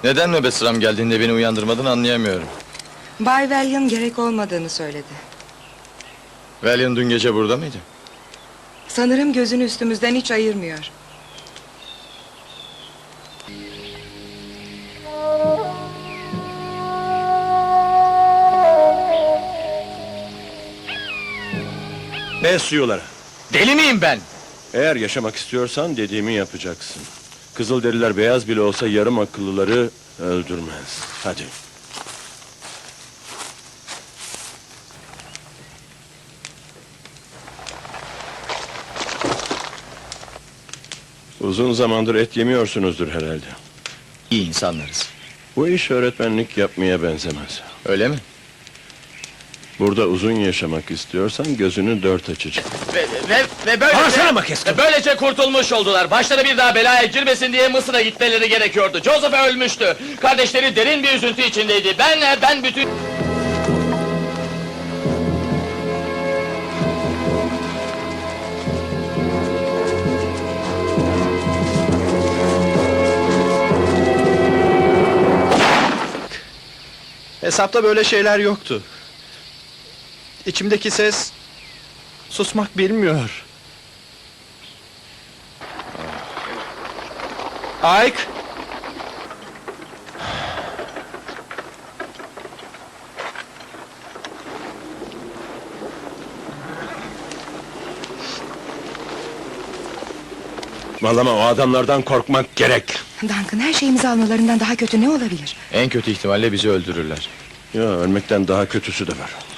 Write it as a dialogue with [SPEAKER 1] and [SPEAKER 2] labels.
[SPEAKER 1] Neden nöbet sıram geldiğinde beni uyandırmadın anlayamıyorum.
[SPEAKER 2] Bay Valiant gerek olmadığını söyledi.
[SPEAKER 1] Valiant dün gece burada mıydı?
[SPEAKER 2] Sanırım gözünü üstümüzden hiç ayırmıyor.
[SPEAKER 3] Ne suyulara?
[SPEAKER 1] Deli miyim ben?
[SPEAKER 3] Eğer yaşamak istiyorsan dediğimi yapacaksın. Kızılderililer beyaz bile olsa yarım akıllıları öldürmez. Hadi. Uzun zamandır et yemiyorsunuzdur herhalde.
[SPEAKER 1] İyi insanlarız.
[SPEAKER 3] Bu iş öğretmenlik yapmaya benzemez.
[SPEAKER 1] Öyle mi?
[SPEAKER 3] Burada uzun yaşamak istiyorsan gözünü dört açacaksın.
[SPEAKER 1] Ve böylece...
[SPEAKER 3] Bağırsana Makeskin!
[SPEAKER 1] Ve böylece kurtulmuş oldular. Başları bir daha belaya girmesin diye Mısır'a gitmeleri gerekiyordu. Joseph ölmüştü. Kardeşleri derin bir üzüntü içindeydi. Ben bütün...
[SPEAKER 4] Hesapta böyle şeyler yoktu. İçimdeki ses susmak bilmiyor. Ike!
[SPEAKER 3] Vallahi o adamlardan korkmak gerek.
[SPEAKER 2] Duncan, her şeyimizi almalarından daha kötü ne olabilir?
[SPEAKER 1] En kötü ihtimalle bizi öldürürler.
[SPEAKER 3] Ya ölmekten daha kötüsü de var.